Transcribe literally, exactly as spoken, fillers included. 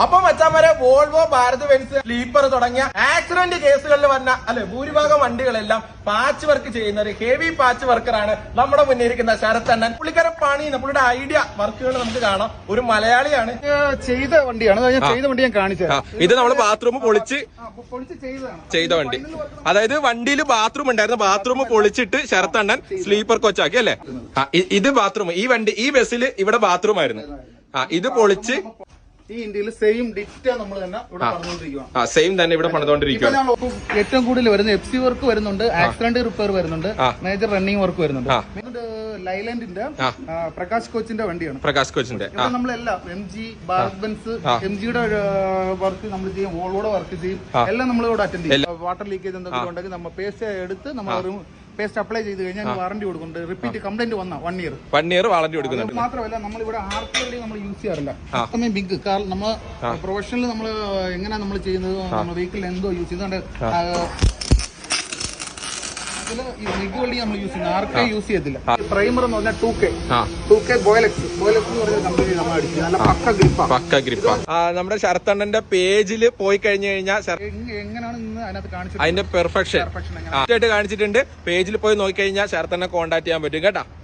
അപ്പൊ മച്ചാമാരെ Volvo, Bharat Benz, sleeper തുടങ്ങിയ ആക്സിഡന്റ് കേസുകളിൽ വന്ന അല്ലെ ഭൂരിഭാഗം വണ്ടികളെല്ലാം പാച്ച് വർക്ക് ചെയ്യുന്ന ഒരു ഹെവി പാച്ച് വർക്കറാണ് നമ്മുടെ മുന്നിൽ ഇരിക്കുന്ന ശരത്തണ്ണൻ. പുള്ളിക്കാരൻ പണിയുന്ന പുള്ളിയുടെ ഐഡിയ വർക്കുകൾ നമുക്ക് കാണാം. ഒരു മലയാളിയാണ്, ചെയ്ത വണ്ടിയാണ്. ചെയ്ത വണ്ടി ഞാൻ കാണിച്ചു. ഇത് നമ്മൾ ബാത്റൂം പൊളിച്ച് ചെയ്ത വണ്ടി. അതായത് വണ്ടിയിൽ ബാത്റൂം ഉണ്ടായിരുന്നു, ബാത്റൂം പൊളിച്ചിട്ട് ശരത്തണ്ണൻ സ്ലീപ്പർ കോച്ചാക്കി അല്ലേ. ഇത് ബാത്റൂം, ഈ വണ്ടി ഈ ബസ്സിൽ ഇവിടെ ബാത്റൂം ആയിരുന്നു. ആ ഇത് പൊളിച്ച് ഈ ഇന്ത്യയിൽ സെയിം ഡിറ്റ നമ്മൾ തന്നെ ഇവിടെ പറഞ്ഞുകൊണ്ടിരിക്കുകയാണ്. ആ സെയിം തന്നെ ഇവിടെ പണിതുകൊണ്ടിരിക്കുകയാണ്. ഏറ്റവും കൂടുതൽ വരുന്ന എഫ് സി വർക്ക് വരുന്നുണ്ട്, ആക്സിഡന്റ് റിപ്പയർ വരുന്നുണ്ട്, മേജർ റണ്ണിംഗ് വർക്ക് വരുന്നുണ്ട്. ലൈലാൻഡിന്റെ പ്രകാശ് കോച്ചിന്റെ വണ്ടിയാണ്. പ്രകാശ് കോച്ചിന്റെ നമ്മളെല്ലാം M G, Bharat Benz, M ജിയുടെ വർക്ക് നമ്മൾ ചെയ്യും, വോൾവോയുടെ വർക്ക് ചെയ്യും, എല്ലാം നമ്മൾ ഇവിടെ അറ്റൻഡ് ചെയ്യും. വാട്ടർ ലീക്കേജ് എന്തൊക്കെ ഉണ്ടെങ്കിൽ നമ്മൾ പേസ്റ്റ് എടുത്ത് നമ്മൾ പേസ്റ്റ് അപ്ലൈ ചെയ്ത് കഴിഞ്ഞാൽ വാറണ്ടി കൊടുക്കുന്നുണ്ട്. റിപ്പീറ്റ് കംപ്ലൈന്റ് വന്ന one year one year warranty കൊടുക്കുന്നുണ്ട്. മാത്രമല്ല നമ്മൾ ഇവിടെ ആർക്ക് വെൽഡിംഗ് നമ്മൾ യൂസ് ചെയ്യാറില്ല. അത്രയും ബിഗ് കാരണം നമ്മൾ പ്രൊഫഷണൽ നമ്മൾ എങ്ങനെയാ നമ്മൾ ചെയ്യുന്നത്, നമ്മൾ വെഹിക്കിൾ എന്തോ യൂസ് ചെയ്യുന്നുണ്ട്. ബിഗ് വെൽഡിംഗ് നമ്മൾ യൂസ് ചെയ്യുന്നത് ആർക്കെ യൂസ് ചെയ്യത്തില്ല. പ്രൈമർ എന്ന് പറഞ്ഞാൽ ടു കെ ടു കെ ബോയിലക്സ് ബോയിലക്സ് എന്ന് പറയുന്ന കമ്പനി നമ്മൾ അടിക്കുന്നത് നല്ല പക്ക ഗ്രിപ്പാ പക്ക ഗ്രിപ്പാ. നമ്മുടെ ശരത്തണ്ണന്റെ പേജിൽ പോയി കഴിഞ്ഞു കഴിഞ്ഞാൽ എങ്ങനെയാണ് അതിനകത്ത് കാണിച്ചത് അതിന്റെ പെർഫെക്ഷൻ ആയിട്ട് കാണിച്ചിട്ടുണ്ട്. പേജിൽ പോയി നോക്കി കഴിഞ്ഞാൽ ശരത്തണ്ണനെ കോൺടാക്ട് ചെയ്യാൻ പറ്റും കേട്ടാ.